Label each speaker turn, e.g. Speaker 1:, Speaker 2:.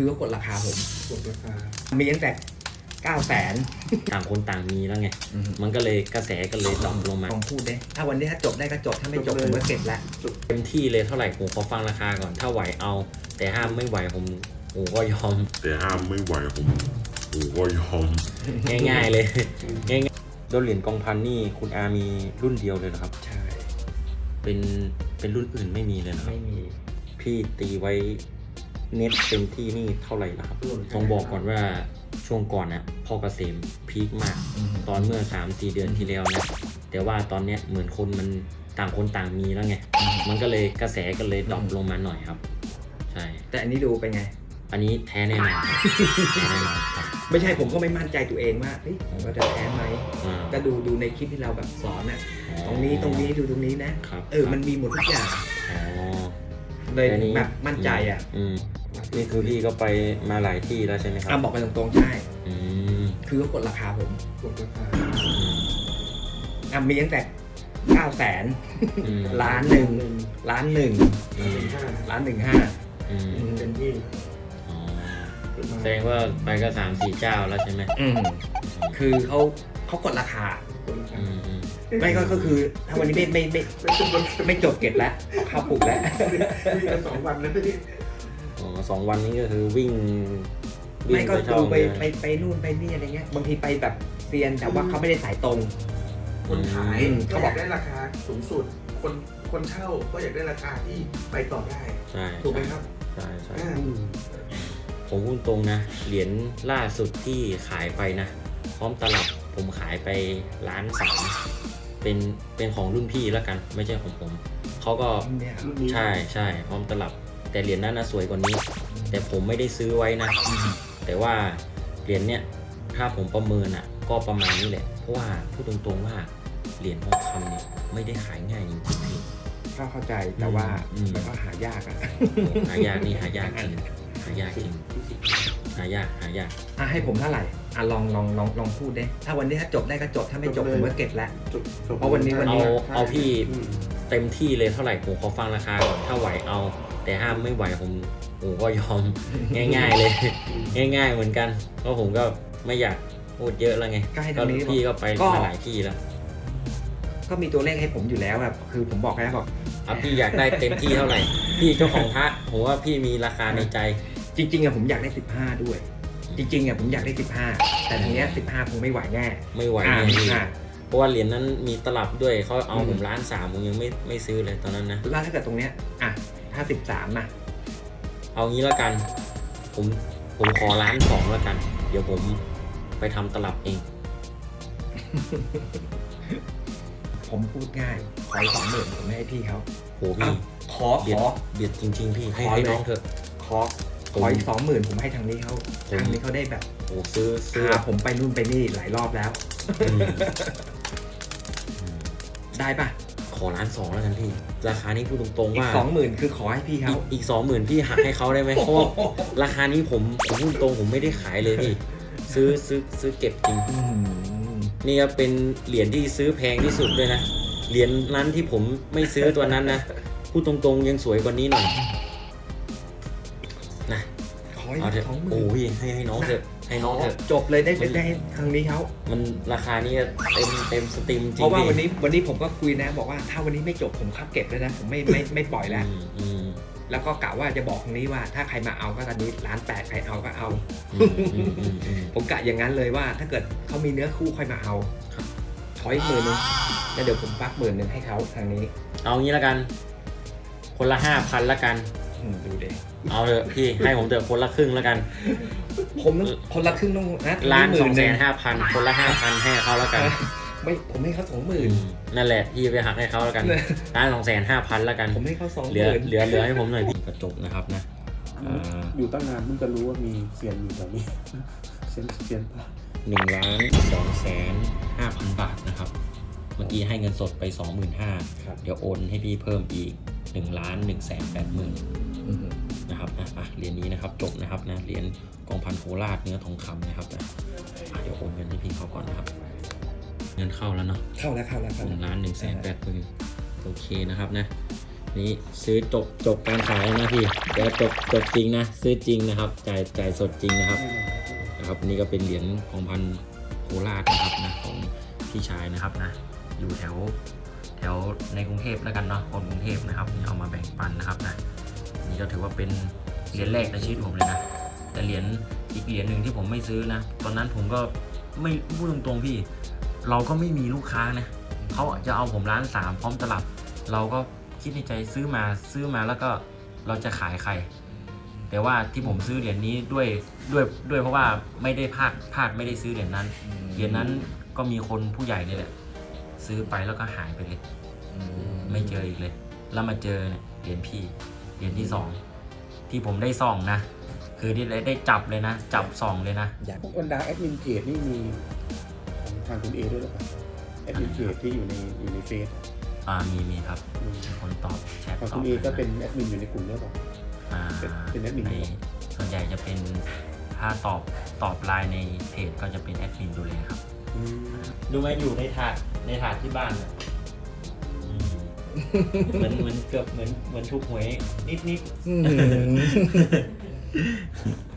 Speaker 1: คือเขากดราคาผม
Speaker 2: กดราคา
Speaker 1: มีตั้งแต่900,000
Speaker 3: ต่างคนต่างมีแล้วไง มันก็เลยกระแสก็เลยดรอปลงมา
Speaker 1: ลองพูดได้ถ้าวันนี้ถ้าจบได้ก็จบถ้าไม่จบผมก็เก็บแล้ว
Speaker 3: เต็มที่เลยเท่าไหร่ผมขอฟังราคาก่อนถ้าไหวเอา แต่ห้ามไม่ไหวผมก็ยอม
Speaker 4: แต่ห้ามไม่ไหวผมก็ยอม
Speaker 3: ง่ายๆเลยง่ายๆโดนเหรียญกองพันนี่คุณอามีรุ่นเดียวเลยเหรอครับ
Speaker 1: ใช่
Speaker 3: เป็นรุ่นอื่นไม่มีเลยนะครับ
Speaker 1: ไม่มี
Speaker 3: พี่ตีไว้เน็ตเต็มที่นี่เท่าไหร่นะครับต้องบอกก่อนว่าช่วงก่อนนะพ่อเกษมพีคมาก ตอนเมื่อ 3-4 เดือนที่แล้วนะแต่ว่าตอนเนี้ยเหมือนคนมันต่างคนต่างมีแล้วไง มันก็เลยกระแสก็เลยดรอปลงมาหน่อยครับ ใช่
Speaker 1: แต่อันนี้ดูเป็นไง
Speaker 3: อันนี้แท้แน่นอนครับแท้แน่นอนครับ
Speaker 1: ไม่ใช่ผมก็ไม่มั่นใจตัวเองว่าเฮ้ยผมก็จะแพ้ไหม
Speaker 3: อ่า
Speaker 1: ก็ดูในคลิปที่เราแบบสอนอ่ะตรงนี้ดูตรงนี้นะครับ มันมีหมดทุกอย่าง
Speaker 3: อ๋อ
Speaker 1: เลย
Speaker 3: อันนี้
Speaker 1: แบบมั่นใจอ่ะ
Speaker 3: นี่คือพี่ก็ไปมาหลายที่แล้วใช่ไหมครับ
Speaker 1: บอกไปตรงๆใช่
Speaker 3: อืม
Speaker 1: คือเขากดราคาผม
Speaker 2: กดราคา
Speaker 1: มีตั้งแต่900,000
Speaker 3: อืม
Speaker 1: ล้าน1 ล้าน
Speaker 2: 1.5
Speaker 1: 1.5
Speaker 3: อืม
Speaker 2: เต็มที่
Speaker 3: อ๋อ
Speaker 2: ขึ้นมา
Speaker 3: แสดงว่าไปก็3-4 เจ้าแล้วใช่ไหม
Speaker 1: คือเขากดราคา
Speaker 2: กดราคา
Speaker 3: อืม
Speaker 1: ไม่ก็คือถ้าวันนี้ไม่จบเก็บแล้วเอาข้าวปลุกแล้ว
Speaker 2: นี่กัน2 วันแล้วนี่
Speaker 3: อ๋อ2 วันนี้ก็คือวิ่ง
Speaker 1: ไม่ก็
Speaker 3: ช่
Speaker 1: ดู
Speaker 3: อง
Speaker 1: ไป
Speaker 3: เลย
Speaker 1: ไปนู่นไปนี่อะไรเงี้ยบางทีไปแบบเซียนแต่ว่าเขาไม่ได้สายตรง
Speaker 2: คนขาย
Speaker 1: เขา
Speaker 2: ก็
Speaker 1: บอย
Speaker 2: อาก กได้ราคาสูงสุด คนเช่าก็อยากได้ราคาที่ไปต่อได้
Speaker 3: ใช่
Speaker 2: ถูกไหมครับ
Speaker 3: ใช่ใช่
Speaker 2: อ่า
Speaker 3: ผมพูดตรงนะ เหรียญล่าสุดที่ขายไปนะ พร้อมตลับผมขายไป1.3 เป็นของรุ่นพี่แล้วกัน ไม่ใช่ของผมเขาก็
Speaker 1: เนี่ย
Speaker 2: รุ่นนี้
Speaker 3: ใช่ใช่พร้อมตลับ แต่เหรียญนั้นนะสวยกว่านี้ แต่ผมไม่ได้ซื้อไว้นะ แต่ว่าเหรียญเนี้ยถ้าผมประเมินอ่ะก็ประมาณนี้แหละเพราะว่าพูดตรงๆว่าเหรียญทองคำเนี่ยไม่ได้ขายง่ายจริงๆพี่
Speaker 1: ก็เข้าใจแต่ว่า
Speaker 3: อืม
Speaker 1: มันก็หายากอ่ะ
Speaker 3: หายากนี่หายากจริงหายากจริงหายาก
Speaker 1: ให้ผมเท่าไหร่ลองพูดได้ถ้าวันนี้ถ้าจบได้ก็จบถ้าไม่จบผมก็เก็บแล้ว
Speaker 2: จบ
Speaker 1: เพราะวันนี้
Speaker 3: เอาพี่
Speaker 2: อืม
Speaker 3: เต็มที่เลยเท่าไหร่ผมขอฟังราคาก่อนถ้าไหวเอา แต่ห้ามไม่ไหวผมก็ยอม ง่ายๆเลย ง่ายๆเหมือนกันเพราะผมก็ไม่อยากพูดเยอะแล้วไง
Speaker 1: ก็ให้
Speaker 3: ก็
Speaker 1: ทางนี้
Speaker 3: พี่ก็ไป
Speaker 1: ก็
Speaker 3: มาหลายที่แล้ว
Speaker 1: ก็มีตัวเลขให้ผมอยู่แล้วแบบคือผมบอกแล้วบอก
Speaker 3: พี่อยากได้เต็มที่เท่าไหร่ พี่เจ้าของพระผมว่าพี่มีราคาในใจ
Speaker 1: จริงๆอะผมอยากได้15ด้วย จริงๆอะผมอยากได้15แต่ทีเนี้ย15คงไม่ไหวแน่
Speaker 3: ไม่ไหว
Speaker 1: อ่า
Speaker 3: แน่พี่
Speaker 1: อ่า
Speaker 3: เพราะว่าเหรียญนั้นมีตลับด้วยเขาเอาผม1.3ผมยังไม่ซื้อเลยตอนนั้นนะ
Speaker 1: แล้วถ้าเกิดตรงเนี้ยถ้า13นะ
Speaker 3: เอางี้แล้วกัน ผมขอ1.2แล้วกัน เดี๋ยวผมไปทำตลับเอง
Speaker 1: ผมพูดง่ายขออีก20,000ผมไม่ให้พี่เขา
Speaker 3: โหพี่
Speaker 1: ขอ
Speaker 3: เบียดจริงๆพี่ให้
Speaker 1: ขอเลย
Speaker 3: น้องเถอะ
Speaker 1: ขออีก20,000ผมให้ทางนี้เขาทางนี้เขาได้แบบ
Speaker 3: โหซื้อ
Speaker 1: พาผมไปนู่นไปนี่หลายรอบแล้ว
Speaker 3: อืม
Speaker 1: ได้ปะ
Speaker 3: ขอ1.2แล้วกันพี่ ราคานี้พูดตรงๆ
Speaker 1: อีก
Speaker 3: ว่า
Speaker 1: 20,000คือขอให้พี่เขา
Speaker 3: อีก20,000พี่หักให้เขาได้ไหมเพราะว่าราคานี้ผมพูดตรงผมไม่ได้ขายเลยพี่ซื้อเก็บจริง นี่ครับเป็นเหรียญที่ซื้อแพงที่สุดด้วยนะ เหรียญนั้นที่ผมไม่ซื้อตัวนั้นนะ พูดตรงๆยังสวยกว่านี้หน่อยนะ
Speaker 1: ขออี
Speaker 3: เอา
Speaker 1: ก
Speaker 3: เถอะ
Speaker 1: 20,000
Speaker 3: โอ้ยให้น้องเถอะให้น้องเถอะ
Speaker 1: จบเลยได้ให้ทางนี้เขา
Speaker 3: มันราคานี้เต็มสตรีมจริง
Speaker 1: เพราะว่า
Speaker 3: พี่
Speaker 1: วันนี้ผมก็คุยนะบอกว่าถ้าวันนี้ไม่จบผมคับเก็บเลยนะผมไม่ปล่อยแล้ว
Speaker 3: อืม
Speaker 1: แล้วก็กะว่าจะบอกตรงนี้ว่าถ้าใครมาเอาก็ตอนนี้1.8ใครเอาก็เอา ผมกะอย่างนั้นเลยว่าถ้าเกิดเขามีเนื้อคู่ค่อยมาเอา
Speaker 3: ครับ
Speaker 1: ขออีก10,000แล้วเดี๋ยวผมฟัก10,000ให้เขาทางนี้
Speaker 3: เอางี้แล้วกัน คนละ5,000ละกัน
Speaker 1: ดูเด็
Speaker 3: เอาเถอะพี่ให้ผมเถอะคนละครึ่งแล้วกัน
Speaker 1: ผมต้องคนละครึ่งต้องนะ
Speaker 3: 1,250,000คนละ5,000ให้เขาแล้วกัน
Speaker 1: ไม่ผมให้เขา20,000
Speaker 3: นั่นแหละพี่ไปหักให้เขาแล้วกัน1,250,000แล้วกัน
Speaker 1: ผมให้เขา
Speaker 3: เหลือ
Speaker 1: 20,000
Speaker 3: เหลือให้ผมหน่อยพี่กระจกนะครับนะ
Speaker 2: อยู่ตั้งนานเพิ่งจะรู้ว่ามีเซียนอยู่แถวนี้ เซียนปะ
Speaker 3: 1,250,000 บาทนะครับ เมื่อกี้ให้เงินสดไป 25,000เดี๋ยวโอนให้พี่เพิ่มอีก 1,180,000นะครับเหรียญนี้นะครับจบนะครับนะเหรียญกองพันโคราชเนื้อทองคำนะครับนะเดี๋ยวโอนเงินให้พี่เขาก่อนนะครับ เงินเข้าแล้วเนาะ
Speaker 1: เข้าแล้ว
Speaker 3: 1,180,000โอเคนะครับนะนี่ซื้อจบการขายแล้วนะพี่เดี๋ยวจบจริงนะซื้อจริงนะครับจ่ายสดจริงนะครับนี่ก็เป็นเหรียญของพันโคราชนะครับนะของพี่ชายนะครับนะอยู่แถวในกรุงเทพแล้วกันเนาะคนกรุงเทพนะครับนี่เอามาแบ่งปันนะครับนะนี่ก็ถือว่าเป็นเหรียญแรกในชีวิตผมเลยนะแต่เหรียญอีกเหรียญหนึ่งที่ผมไม่ซื้อนะตอนนั้นผมก็ไม่พูดตรงๆพี่เราก็ไม่มีลูกค้านะเขาจะเอาผม1,300,000พร้อมตลับเราก็คิดในใจซื้อมาแล้วก็เราจะขายใครแต่ว่าที่ผมซื้อเหรียญนี้ด้วยเพราะว่าไม่ได้พลาดไม่ได้ซื้อเหรียญนั้นก็มีคนผู้ใหญ่นี่แหละซื้อไปแล้วก็หายไปเลยไม่เจออีกเลยแล้วมาเจอเนี่ยเหรียญพี่เหรียญที่2ที่ผมได้ส่องนะคือที่ได้จับเลยนะจับส่องเลยนะ
Speaker 2: พวกบรรดาแอดมินเพจนี่มีของทางคุณเอด้วยหรือเปล่าแอดมินเพจที่อยู่ในเฟซ
Speaker 3: มีครับมีคนตอบแชท
Speaker 2: ของ
Speaker 3: ตอ
Speaker 2: คุ
Speaker 3: บ
Speaker 2: ณเอก็เป็นแอดมินอยู่ในกลุ่มด้วยเปล่า เป็นแอดมิน
Speaker 3: ส่วนใหญ่จะเป็นถ้าตอบไลน์ในเพจก็จะเป็นแอดมินดูแลครับดูไหมอยู่ในถาดที่บ้านเนี่ยเหมือนเกือบเหมือนทุกหวยนิด